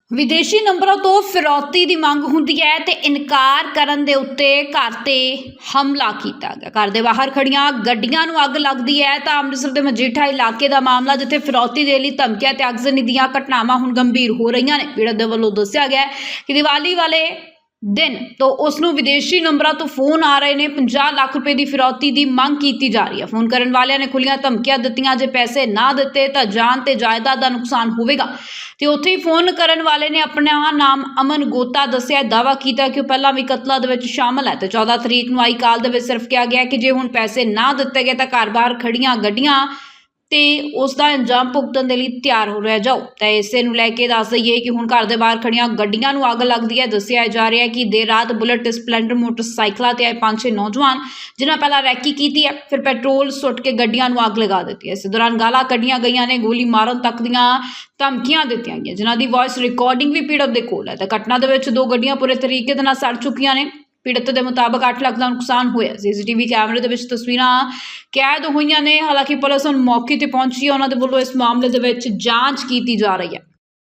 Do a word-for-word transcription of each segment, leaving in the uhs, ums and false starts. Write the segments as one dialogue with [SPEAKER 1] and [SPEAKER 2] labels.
[SPEAKER 1] विदेशी नंबरों तो फिरौती की मंग हुंदी है ते इनकार करन दे उत्ते घर ते हमला किया गया। घर दे बाहर खड़ियां गड्डियां नूं अग लगदी है तां अमृतसर दे मजीठा इलाके दा मामला जिथे फिरौती दे लई धमकियां ते अगजनी दीआं घटनावां हुण गंभीर हो रहीआं ने। पीड़त दे वल्लों दस्सिया गया कि दिवाली वाले दिन तो उसनूं विदेशी नंबरों तो फोन आ रहे ने, पचास लाख रुपए की फिरौती की मंग की जा रही है। फोन करने वाले ने खुलियां धमकियां दित्तियां, जे पैसे ना दिते तो जान ते जायदाद का नुकसान होवेगा। ते उत्थे ही फोन करने वाले ने अपना नाम अमन गोता दस्सिया, दावा किया कि पहला भी कतलों दे विच शामिल है। तो चौदह तरीक नूं आई काल दे विच सिर्फ कहा गया कि जे हुण पैसे ना दिते गए तो घर बाहर खड़ियां गड्डियां ते उसका अंजाम भुगतण दे लई तैयार हो रह जाओ। तो इसे नूं लैके दस दईए कि हुण घर दे बाहर खड़ियां गड्डियां नूं अग लगदी है। दस्सिया जा रहा है कि देर रात बुलेट स्पलैंडर मोटरसाइकिलों ते आए पांच छे नौजवान जिन्हां पहला रैकी की है, फिर पेट्रोल सुट के गड्डियां नूं अग लगा दी है। इस दौरान गालां कड्डियां गईयां ने, गोली मारन तक दीआं धमकियां दित्तियां गईयां, जिन्हां दी वॉइस रिकॉर्डिंग भी पीड़त दे कोल है। तो घटना दे विच दो गड्डियां पूरे तरीके दे नाल सड़ चुकियां ने। पीड़त के मुताबिक अठ लाख का नुकसान होया। सीसीटीवी कैमरे के तस्वीरां कैद हुई ने। हालांकि पुलिस हुण मौके पर पहुंची है, उन्होंने वालों इस मामले के जांच की जा रही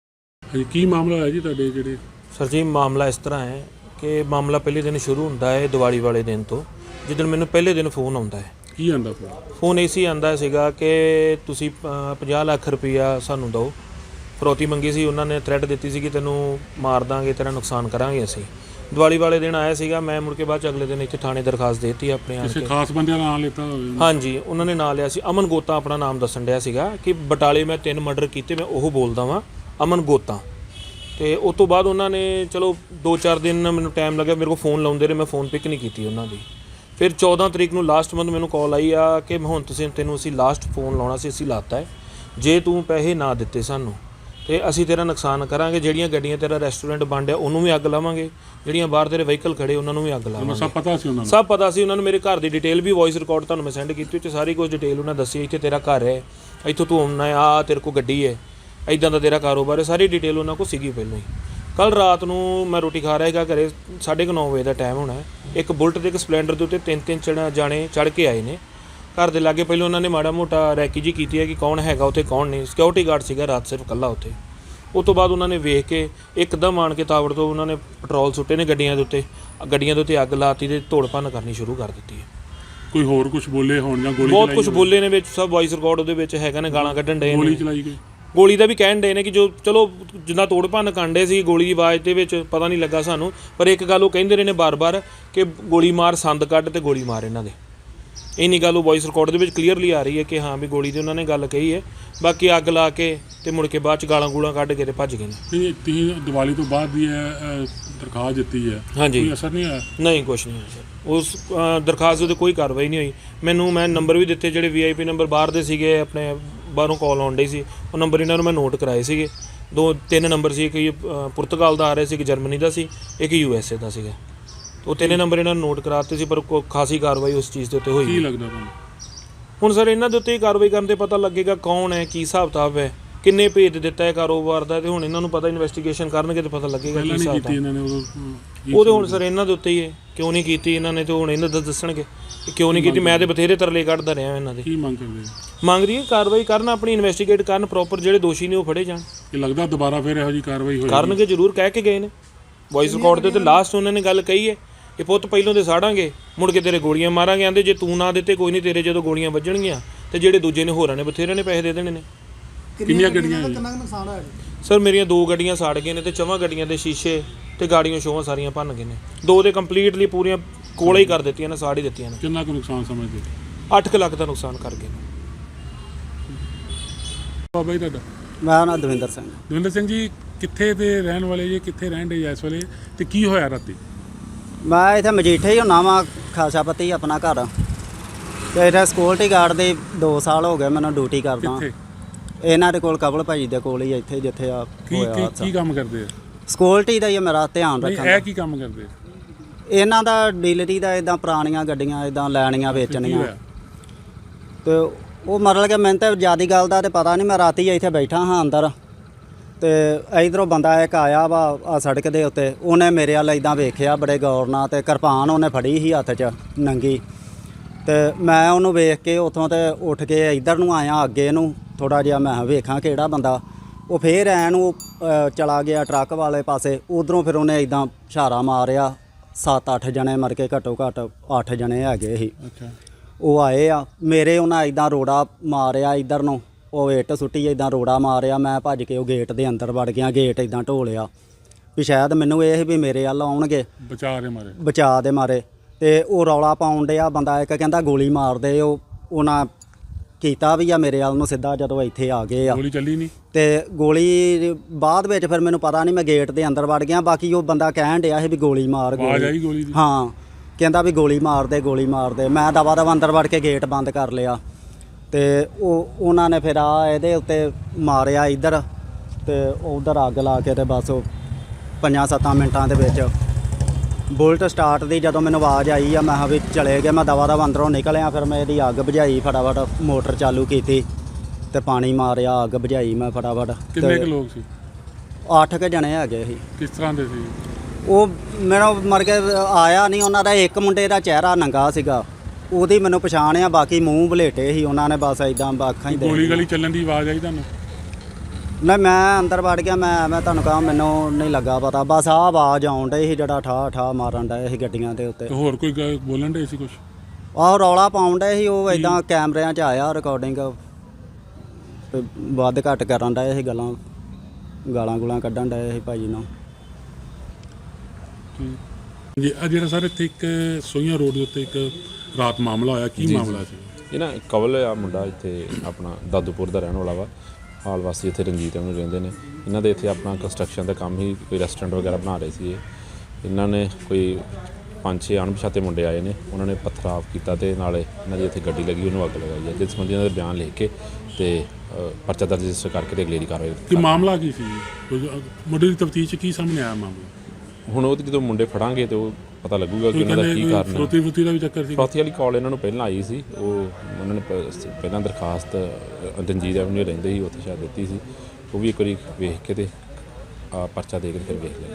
[SPEAKER 1] है।
[SPEAKER 2] की मामला है जी तुहाडे जिहड़े?
[SPEAKER 3] सर जी मामला इस तरह है कि मामला पहले दिन शुरू होंदा है दिवाली वाले दिन तो, जिस दिन मैंने पहले दिन फोन आता है।
[SPEAKER 2] की आंदा फोन?
[SPEAKER 3] फोन इसी आंदा सीगा कि तुसीं पचास लाख रुपया सानूं दो, फिरौती मंगी सी। उन्होंने थ्रैट दी सी कि तैनूं मार दांगे, तेरा नुकसान करांगे असीं। दिवाली वाले दिन आया सीगा, मैं मुड़ के बाद अगले दिन इत्थे थाणे दरखास्त देती अपने
[SPEAKER 2] किसी खास बंदे दा नाम लेता होवे?
[SPEAKER 3] हाँ जी, उन्होंने नाम लिया सी अमन गोता, अपना नाम दसन दिया सीगा कि बटाले मैं तीन मर्डर किए, मैं वो बोलदा वां अमन गोता। तो उस तो बाद उन्होंने चलो दो चार दिन मैंने टाइम लगे, मेरे को फोन लाउंदे रहे, मैं फोन पिक नहीं की उन्होंने। फिर चौदह तरीक नूं लास्ट मंथ मैंने कॉल आई आ कि हुण तुसीं तैनूं असीं लास्ट फोन लाउणा सी, असीं लाता है, जे तूं पैसे ना दिते सानूं तो असीं तेरा नुकसान करांगे। जिहड़ियां गड्डियां तेरा रेस्टोरेंट बंद है उन्होंने भी अग लावांगे, जिहड़ियां बाहर तेरे व्हीकल खड़े उन्होंने भी अग लावांगे।
[SPEAKER 2] सब पता सी उन्होंने? सब
[SPEAKER 3] पता सी उन्होंने। मेरे घर की डिटेल भी वॉइस रिकॉर्ड तुहानूं मैं सेंड की, सारी कुछ डिटेल उन्हें दसी, इत्थे तेरा घर है, इत्थों तू आउणा है, आ तेरे को गड्डी है, इदां दा तेरा कारोबार है, सारी डिटेल उन्होंने को सीगी पहलों ही। कल रात नूं मैं रोटी खा रहा था घरे, साढ़े क नौ बजे का टाइम होना है, एक बुलट ते एक स्पलैंडर के उत्ते तीन तीन चढ़ जाने चढ़ के आए ने घर के लागे। पहले उन्होंने माड़ा मोटा रैकी जी की है कि कौन है उत्थे कौन नहीं, सिक्योरिटी गार्ड सीगा रात सिर्फ कल्ला उत्थे। उस तो बाद उन्होंने वेख के एकदम आण के तावड़ तो उन्होंने पेट्रोल सुट्टे ने गड्डियां दे उत्ते, गड्डियां दे उत्ते अग लाती ते तोड़ भन्न करनी शुरू कर दी है।
[SPEAKER 2] कोई होर कुछ बोले होण जां गोली?
[SPEAKER 3] बहुत कुछ बोले ने, सब वॉइस रिकॉर्ड उहदे विच हैगा ने, गालां कड्ढण डे,
[SPEAKER 2] गोली चलाई गई,
[SPEAKER 3] गोली का भी कहण डे ने कि जो चलो जिन्ना तोड़ भन्न कांडे सी गोली की आवाज़ दे विच पता नहीं लगा सानूं, पर एक गल वो कहिंदे रहे ने बार बार कि गोली मार संद कढ ते गोली मार इन्हां दे। इन्नी गल वॉइस रिकॉर्ड दे विच क्लीयरली आ रही है कि हाँ भी गोली की उन्होंने गल कही है। बाकी अग ला के ते मुड़ के बाद च गालां गूलां कढ के ते भज गए ने।
[SPEAKER 2] तुसीं दिवाली तो बाद भी दरखास्त दित्ती है? हाँ जी। कोई असर नहीं आया?
[SPEAKER 3] नहीं, कुछ नहीं आया सर। उस दरखास्त उत्ते कोई कार्रवाई नहीं हुई। मैनूं मैं नंबर भी दिते जिहड़े वी आई पी नंबर बाहर दे सीगे, अपने बाहरों कॉल आउण डई सी, वो नंबर इन्हां नूं मैं नोट कराए सीगे। दो तीन नंबर सी, एक पुर्तगाल दा आ रहा सी, एक जर्मनी दा सी, एक यू एस ए दा सीगा। तो तीन नंबर इन्होंने नोट कराते सी, पर कोई खासी कार्रवाई उस चीज़ के उत्ते होई नहीं।
[SPEAKER 2] लगदा तुहानूं
[SPEAKER 3] हुण सर इन्हां दे उत्ते कार्रवाई करन ते पता लगेगा कौन है, की हिसाब किताब है, किन्ने भेज दिता है कारोबार का। तो हुण इन्हां नूं पता इन्वेस्टिगेशन करनगे तो पता लगेगा की हिसाब किताब। वो तो हुण सर इन्हां दे उत्ते ही है, क्यों नहीं कीती इन्होंने, तो हुण इन्हां दा दस्सणगे क्यों नहीं कीती। मैं तो बथेरे तरले कढदा रहा इन्हां दे।
[SPEAKER 2] की मंग करदे?
[SPEAKER 3] मंग रही है कार्रवाई करन, अपनी इन्वेस्टिगेट करन, प्रॉपर जिहड़े दोषी ने वो फड़े जाण।
[SPEAKER 2] ये लगदा दोबारा फिर इहो जी कार्रवाई होएगी?
[SPEAKER 3] करनगे जरूर, कह के गए ने वॉइस रिकॉर्ड दे उत्ते लास्ट उन्होंने गल कही है कि पुੱਤ ਪਹਿਲੋਂ तो साड़ांगे, मुड़ के तेरे गोलियां मारांगे। आंदे जे तू ना दिते कोई नहीं, तेरे जो गोलियां वजणगियां तो जेडे दूजे ने होरां ने बथेरे ने पैसे दे देने ने।
[SPEAKER 2] किन्नियां गड्डियां?
[SPEAKER 3] सर मेरियां दो गड्डियां साड़ गए ने ते चौवां गड्डियां दे शीशे ते गाड़ियां शोवां सारियां भन्न गए ने। दो ते कंप्लीटली पूरियां कोले ही कर दित्तियां ने, साड़ ही दित्तियां ने।
[SPEAKER 2] कितना को नुकसान समझदे?
[SPEAKER 3] अठ लाख का नुकसान कर गए।
[SPEAKER 2] बाबा जी तुहाडा?
[SPEAKER 4] मैं ना दविंदर सिंह।
[SPEAKER 2] दविंदर सिंह जी कित्थे दे रहण वाले जी, कित्थे रहण दे इस वेले ते की होया राती? मैं
[SPEAKER 4] इत्थे मजीठे ही हुन्ना वा, खासापति अपना घर। ते इत्थे सिक्योरिटी गार्ड दे दो साल हो गए मैनूं ड्यूटी करदा। इन्हां दे कोल कबल भाई दे कोल ही इत्थे जिथे आ होया।
[SPEAKER 2] की काम करदे?
[SPEAKER 4] सिक्योरिटी दा ही मेरा ध्यान रखना।
[SPEAKER 2] ਇਹ ਕੀ ਕੰਮ ਕਰਦੇ?
[SPEAKER 4] इन्हां दा डीलरी दा इदां पुराणियां गड्डियां इदां लैणियां वेचणियां। ते ਉਹ ਮਤਲਬ ਕਿ ਮੈਨੂੰ ਤਾਂ ਜ਼ਿਆਦਾ ਗੱਲ ਦਾ ਤਾਂ ਪਤਾ ਨਹੀਂ। ਮੈਂ ਰਾਤੀ ਇੱਥੇ ਬੈਠਾ ਹਾਂ ਅੰਦਰ, ਤੇ ਇਧਰੋਂ ਬੰਦਾ ਇੱਕ ਆਇਆ ਵਾ ਆ ਸੜਕ ਦੇ ਉੱਤੇ, ਉਹਨੇ ਮੇਰੇ ਵੱਲ ਇੱਦਾਂ ਵੇਖਿਆ ਬੜੇ ਗੌਰ ਨਾਲ, ਤੇ ਕਿਰਪਾਨ ਉਹਨੇ ਫੜੀ ਸੀ ਹੱਥ 'ਚ ਨੰਗੀ। ਤੇ ਮੈਂ ਉਹਨੂੰ ਵੇਖ ਕੇ ਉੱਥੋਂ ਤੇ ਉੱਠ ਕੇ ਇੱਧਰ ਨੂੰ ਆਇਆ ਅੱਗੇ ਨੂੰ ਥੋੜ੍ਹਾ ਜਿਹਾ, ਮੈਂ ਵੇਖਾਂ ਕਿਹੜਾ ਬੰਦਾ। ਉਹ ਫੇਰ ਐਨ ਉਹ ਅ, ਚਲਾ ਗਿਆ ਟਰੱਕ ਵਾਲੇ ਪਾਸੇ। ਉਧਰੋਂ ਫਿਰ ਉਹਨੇ ਇਦਾਂ ਇਸ਼ਾਰਾ ਮਾਰਿਆ, ਸੱਤ ਅੱਠ ਜਣੇ ਮਰ ਕੇ ਘੱਟੋ ਘੱਟ ਅੱਠ ਜਣੇ ਹੈਗੇ ਸੀ।
[SPEAKER 2] ਅੱਛਾ।
[SPEAKER 4] ਉਹ ਆਏ ਆ ਮੇਰੇ, ਉਹਨਾਂ ਇਦਾਂ ਰੋੜਾ ਮਾਰਿਆ ਇੱਧਰ ਨੂੰ, ਉਹ ਇੱਟ ਸੁੱਟੀ ਇਦਾਂ ਰੋੜਾ ਮਾਰਿਆ। ਮੈਂ ਭੱਜ ਕੇ ਉਹ ਗੇਟ ਦੇ ਅੰਦਰ ਵੜ ਗਿਆ, ਗੇਟ ਇਦਾਂ ਢੋਲਿਆ ਵੀ ਸ਼ਾਇਦ ਮੈਨੂੰ ਇਹ ਸੀ ਵੀ ਮੇਰੇ ਵੱਲ ਆਉਣਗੇ
[SPEAKER 2] ਬਚਾ ਦੇ ਮਾਰੇ।
[SPEAKER 4] ਬਚਾ ਦੇ ਮਾਰੇ। ਤੇ ਉਹ ਰੌਲਾ ਪਾਉਣ ਡਿਆ ਬੰਦਾ ਇੱਕ, ਕਹਿੰਦਾ ਗੋਲੀ ਮਾਰ ਦੇ। ਉਹ ਉਹਨਾਂ ਕੀਤਾ ਵੀ ਆ ਮੇਰੇ ਵੱਲ ਨੂੰ ਸਿੱਧਾ, ਜਦੋਂ ਇੱਥੇ ਆ ਗਏ ਆ।
[SPEAKER 2] ਗੋਲੀ ਚੱਲੀ ਨਹੀਂ?
[SPEAKER 4] ਤੇ ਗੋਲੀ ਬਾਅਦ ਵਿੱਚ ਫਿਰ ਮੈਨੂੰ ਪਤਾ ਨਹੀਂ, ਮੈਂ ਗੇਟ ਦੇ ਅੰਦਰ ਵੜ ਗਿਆ। ਬਾਕੀ ਉਹ ਬੰਦਾ ਕਹਿਣ ਡਿਆ ਸੀ ਵੀ ਗੋਲੀ ਮਾਰ,
[SPEAKER 2] ਆਵਾਜ਼ ਆਈ
[SPEAKER 4] ਗੋਲੀ
[SPEAKER 2] ਗੋਲੀ ਦੀ?
[SPEAKER 4] ਹਾਂ, ਕਹਿੰਦਾ ਵੀ ਗੋਲੀ ਮਾਰ ਦੇ, ਗੋਲੀ ਮਾਰ ਦੇ। ਮੈਂ ਦਵਾ ਦਵਾ ਅੰਦਰ ਵੜ ਕੇ ਗੇਟ ਬੰਦ ਕਰ ਲਿਆ। ਤੇ ਉਹ ਉਹਨਾਂ ਨੇ ਫਿਰ ਆ ਇਹਦੇ ਉੱਤੇ ਮਾਰਿਆ ਇੱਧਰ, ਤੇ ਉਧਰ ਅੱਗ ਲਾ ਕੇ ਤੇ ਬਸ ਉਹ ਪੰਜਾਂ ਸੱਤਾਂ ਮਿੰਟਾਂ ਦੇ ਵਿੱਚ ਬੁਲਟ ਸਟਾਰਟ ਦੀ ਜਦੋਂ ਮੈਨੂੰ ਆਵਾਜ਼ ਆਈ ਆ, ਮੈਂ ਕਿਹਾ ਵੀ ਚਲੇ ਗਏ। ਮੈਂ ਦਵਾ ਦਵਾ ਅੰਦਰੋਂ ਨਿਕਲਿਆ, ਫਿਰ ਮੈਂ ਇਹਦੀ ਅੱਗ ਬੁਝਾਈ, ਫਟਾਫਟ ਮੋਟਰ ਚਾਲੂ ਕੀਤੀ ਤੇ ਪਾਣੀ ਮਾਰਿਆ, ਅੱਗ ਬੁਝਾਈ ਮੈਂ ਫਟਾਫਟ।
[SPEAKER 2] ਕਿੰਨੇ ਕੁ ਲੋਕ ਸੀ?
[SPEAKER 4] ਅੱਠ ਕੁ ਜਣੇ ਹੈਗੇ ਸੀ।
[SPEAKER 2] ਕਿਸ ਤਰ੍ਹਾਂ ਦੇ ਸੀ?
[SPEAKER 4] ਉਹ ਮੇਰਾ ਮਰ ਕੇ ਆਇਆ ਨਹੀਂ, ਉਹਨਾਂ ਦਾ ਇੱਕ ਮੁੰਡੇ ਦਾ ਚਿਹਰਾ ਨੰਗਾ ਸੀਗਾ, ਉਹਦੀ ਮੈਨੂੰ ਪਛਾਣ ਆ। ਬਾਕੀ ਮੂੰਹ ਬਲੇਟੇ ਸੀ ਉਹਨਾਂ ਨੇ, ਬਸ ਇਦਾਂ ਅੱਖਾਂ ਹੀ ਦੇ।
[SPEAKER 2] ਗੋਲੀ ਗਲੀ ਚੱਲਣ ਦੀ ਆਵਾਜ਼ ਆਈ ਤੁਹਾਨੂੰ?
[SPEAKER 4] ਨਹੀਂ, ਮੈਂ ਅੰਦਰ ਵੜ ਗਿਆ। ਮੈਂ ਮੈਂ ਤੁਹਾਨੂੰ ਕਹਾਂ ਮੈਨੂੰ ਨਹੀਂ ਲੱਗਾ ਪਤਾ, ਬਸ ਆਹ ਆਵਾਜ਼ ਆਉਣ ਡਈ ਸੀ ਜਿਹੜਾ ਠਾ ਠਾ ਮਾਰਨ ਡਏ ਸੀ ਗੱਡੀਆਂ ਦੇ ਉੱਤੇ।
[SPEAKER 2] ਤੇ ਹੋਰ ਕੋਈ ਗ- ਬੋਲਣ ਡੇ ਸੀ ਕੁਛ?
[SPEAKER 4] ਆਹ ਰੌਲਾ ਪਾਉਣ ਡਏ ਸੀ ਉਹ, ਇਦਾਂ ਕੈਮਰਿਆਂ 'ਚ ਆਇਆ ਰਿਕਾਰਡਿੰਗ, ਤੇ ਵੱਧ ਘੱਟ ਕਰਨ ਡਏ ਸੀ ਗੱਲਾਂ, ਗਾਲਾਂ ਗੁਲਾਂ ਕੱਢਣ ਡਏ ਸੀ ਭਾਜੀ ਨੂੰ।
[SPEAKER 2] ਜੀ ਆ ਜਿਹੜਾ ਸਰ ਇੱਥੇ ਇੱਕ ਸੋਈਆਂ ਰੋਡ ਦੇ ਉੱਤੇ ਇੱਕ ਰਾਤ ਮਾਮਲਾ ਹੋਇਆ, ਕੀ ਮਾਮਲਾ ਸੀ?
[SPEAKER 5] ਇਹ ਨਾ ਕਵਲ ਆ ਮੁੰਡਾ, ਇੱਥੇ ਆਪਣਾ ਦਾਦੂਪੁਰ ਦਾ ਰਹਿਣ ਵਾਲਾ ਵਾ, ਹਾਲ ਵਾਸੀ ਇੱਥੇ ਰਣਜੀਤ ਨੂੰ ਰਹਿੰਦੇ ਨੇ। ਇਹਨਾਂ ਦੇ ਇੱਥੇ ਆਪਣਾ ਕੰਸਟਰਕਸ਼ਨ ਦਾ ਕੰਮ ਹੀ, ਕੋਈ ਰੈਸਟੋਰੈਂਟ ਵਗੈਰਾ ਬਣਾ ਰਹੇ ਸੀ ਇਹ। ਇਹਨਾਂ ਨੇ ਕੋਈ ਪੰਜ ਛੇ ਅਣਪਛਾਤੇ ਮੁੰਡੇ ਆਏ ਨੇ, ਉਹਨਾਂ ਨੇ ਪਥਰਾਵ ਕੀਤਾ ਤੇ ਨਾਲੇ ਇਹਨਾਂ ਦੀ ਇੱਥੇ ਗੱਡੀ ਲੱਗੀ, ਉਹਨੂੰ ਅੱਗ ਲਗਾਈ ਹੈ। ਜਿਸ ਸੰਬੰਧੀ ਇਹਨਾਂ ਦਾ ਬਿਆਨ ਲਿਖ ਕੇ ਤੇ ਅ, ਪਰਚਾ ਦਰਜ ਰਜਿਸਟਰ ਕਰਕੇ ਤੇ ਅਗਲੇਰੀ ਕਾਰਵਾਈ
[SPEAKER 2] ਕੀ ਮਾਮਲਾ ਕੀ ਸੀ? ਕੋਈ ਮੁੱਢਲੀ ਤਫਤੀਸ਼ 'ਚ ਕੀ ਸਾਹਮਣੇ ਆਇਆ ਮਾਮਲਾ?
[SPEAKER 5] ਹੁਣ ਉਹ ਤੇ ਜਦੋਂ ਮੁੰਡੇ ਫੜਾਂਗੇ ਤੇ ਉਹ ਪਤਾ ਲੱਗੂਗਾ ਕਿ
[SPEAKER 2] ਕੋਈ
[SPEAKER 5] ਉਹਨਾਂ ਦਾ ਕੀ
[SPEAKER 2] ਕਹਿੰਦੇ
[SPEAKER 5] ਕਾਰਨ ਹੈ।
[SPEAKER 2] ਫਰੋਤੀ ਫਰੋਤੀ ਦਾ ਵੀ ਚੱਕਰ ਸੀ?
[SPEAKER 5] ਫਰੋਤੀ ਵਾਲੀ ਕਾਲ ਇਹਨਾਂ ਨੂੰ ਪਹਿਲਾਂ ਆਈ ਸੀ, ਉਹ ਉਹਨਾਂ ਨੇ ਪ- ਪਹਿਲਾਂ ਦਰਖਾਸਤ ਅ, ਰਣਜੀਤ ਐਵਨਿਊ ਰਹਿੰਦੇ ਸੀ, ਉੱਥੇ ਸ਼ਾਇਦ ਦਿੱਤੀ ਸੀ। ਉਹ ਵੀ ਇੱਕ ਵਾਰੀ ਵੇਖ ਕੇ ਤੇ ਆ ਪਰਚਾ ਦੇ ਕੇ ਫਿਰ ਵੇਖ ਲਿਆ।